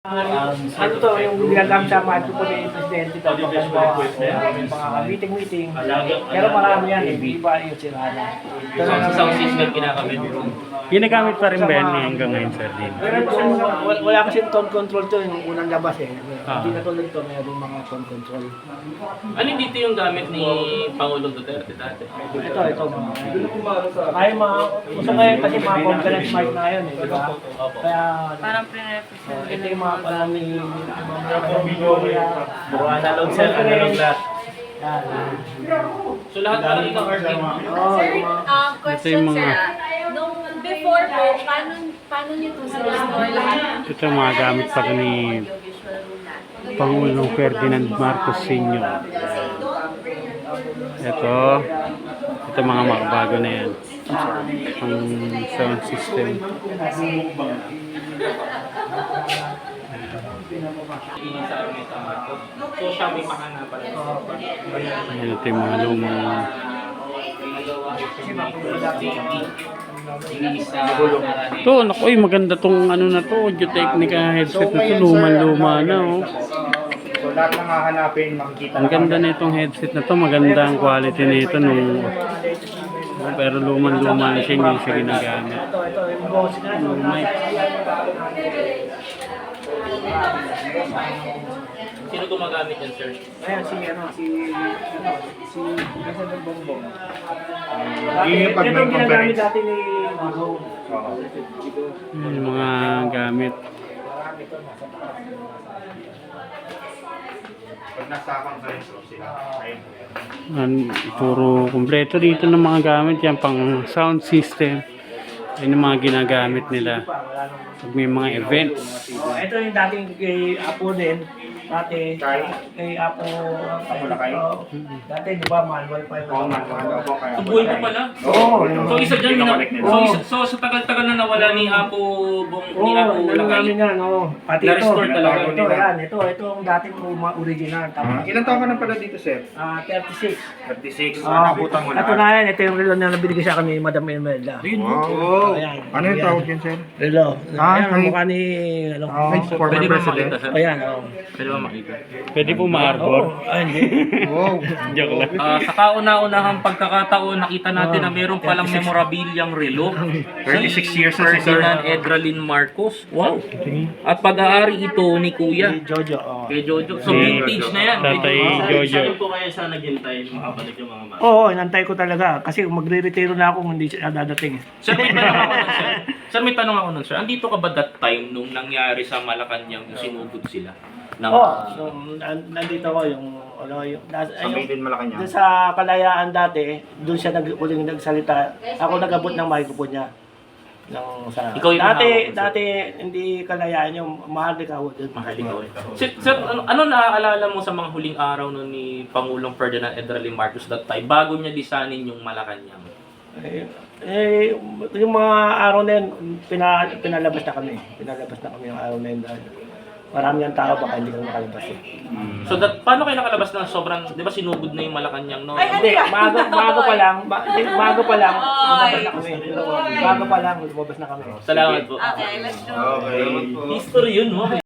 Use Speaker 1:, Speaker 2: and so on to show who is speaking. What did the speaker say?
Speaker 1: Ano to, yung ginagamit sa mga po ni Presidente to, mga meeting. Pero marami yan, hindi ba yung sirana.
Speaker 2: Sa sound system ginagamit.
Speaker 3: Ginagamit pa rin ba yan hanggang ngayon, sir? Din?
Speaker 1: Wala kasi tone control to, yung unang labas eh. Hindi na tulad to, mayroong mga tone control.
Speaker 2: Ano dito yung gamit ni Pangulong Duterte dati?
Speaker 1: Ito mga. Kaya gusto kayo kasi mga conference mic na yun eh, di ba? Kaya,
Speaker 4: Parang pre-represent.
Speaker 1: ito yung mga parami,
Speaker 2: Puro analog cell, analog lahat.
Speaker 1: yan.
Speaker 2: So lahat pala ikaw arcade.
Speaker 1: Oo,
Speaker 4: Sir,
Speaker 1: yung mga,
Speaker 4: question
Speaker 3: yung mga-
Speaker 4: sir. Nung before po, paano niyo to sinistore lahat?
Speaker 3: Ito yung mga gamit pa rin ni
Speaker 4: Audiovisual room natin.
Speaker 3: Pangulong Ferdinand Marcos Sr. Ito mga makabago na yan. Ang sound system.
Speaker 2: So siya may makana pala.
Speaker 3: Ayan, ito yung mga lumang ito, naku, maganda tong ano na to, Audio Technica headset na to, luma na oh.
Speaker 5: So lahat ng hahanapin, makikita
Speaker 3: Ang ganda na itong headset na to, maganda ang quality nito nung pero luma na siya, hindi siya ginagamit.
Speaker 1: ito, yung boss na,
Speaker 3: Mic.
Speaker 2: Sino gumagamit yan, sir?
Speaker 1: Ayan, si President Bongbong.
Speaker 5: Yung pag
Speaker 1: Ito
Speaker 5: may
Speaker 1: yung ginagamit
Speaker 5: conference.
Speaker 1: dati ni Mago.
Speaker 3: Yung mga gamit.
Speaker 5: Pag nasa conference room sila, ayun.
Speaker 3: Puro kumpleto dito ng mga gamit yan, pang sound system. Yan yung mga ginagamit nila pag may mga events.
Speaker 1: Ito yung dating kay Apo din. Dati, kay Apo.
Speaker 5: Lakay?
Speaker 1: Dati, di ba, manual pa
Speaker 5: Oo,
Speaker 1: yung
Speaker 5: ano po kaya.
Speaker 2: So buhay pa pala?
Speaker 5: Oo.
Speaker 2: So isa dyan,
Speaker 5: Pinakabalik nila.
Speaker 2: so sa tagal-tagal na nawala ni Apo ni Apo
Speaker 1: Oo, ano namin
Speaker 2: Lakay.
Speaker 1: yan, oo. Pati ito.
Speaker 2: Na-restore talaga.
Speaker 1: Ito, yan. Ito ang dating original. Tapos,
Speaker 5: Ilan taon ka na pala dito, sir?
Speaker 1: 36.
Speaker 5: 36.
Speaker 1: Ah,
Speaker 5: Nabutan mo
Speaker 1: ito
Speaker 5: na.
Speaker 1: na yan. Ito yung relo na nabinigay sa akin ni Madam Imelda.
Speaker 5: Wow.
Speaker 1: Ayan.
Speaker 5: Ano yung tawag yan, sir?
Speaker 1: Relo.
Speaker 5: Ah,
Speaker 1: Ayan, ang
Speaker 5: ay-
Speaker 1: mukha ni, ano.
Speaker 5: Former
Speaker 2: Pwede ba
Speaker 5: president.
Speaker 2: makita, sir?
Speaker 1: Ayan, oo.
Speaker 2: Pwede ba makita?
Speaker 3: Pwede po ma-arbor.
Speaker 1: Ay, hindi.
Speaker 5: Wow.
Speaker 3: Joke lang.
Speaker 2: Sa kauna-unahang pagkakataon, nakita natin na meron palang memorabilyang relo.
Speaker 5: 36 years na si sir.
Speaker 2: Ferdinand Edralin Marcos. Wow! At pag-aari ito ni Kuya.
Speaker 1: Jojo, oo.
Speaker 2: Kay Jojo. So vintage na yan.
Speaker 3: Tatay Jojo.
Speaker 2: Saan po kaya siya naghintay makabalik yung mga mata?
Speaker 1: Oo, inantay ko talaga. Kasi magre-retiro na ako kung hindi siya dadating.
Speaker 2: Sir, may tanong ako nun, sir. Sir, may tanong ako nun, sir. Andito ka ba that time nung nangyari sa Malacanang yung sinugod sila?
Speaker 1: Oo, nandito ko yung,
Speaker 5: Sa Maiden Malacanang.
Speaker 1: doon sa Kalayaan dati, doon siya uling nagsalita. Ako nag-abot ng microphone niya.
Speaker 2: Ikaw yung hawak, sir.
Speaker 1: dati hindi Kalayaan yung mahal ikaw doon.
Speaker 2: Sir, ano naaalala mo sa mga huling araw nun ni Pangulong Ferdinand Edralin Marcos that time bago niya lisanin yung Malacanang?
Speaker 1: Yung mga araw na yun, pinalabas na kami. Pinalabas na kami yung araw na yun. Dahil marami ang tao, baka hindi kami makalabas eh.
Speaker 2: So paano kayo nakalabas ng sobrang, di ba sinugod na yung Malacanang no?
Speaker 1: Hindi, bago pa lang, lumabas na kami. Bago pa lang, lumabas na kami.
Speaker 2: Salamat po.
Speaker 4: Okay, let's go.
Speaker 5: Okay.
Speaker 2: History yun, no?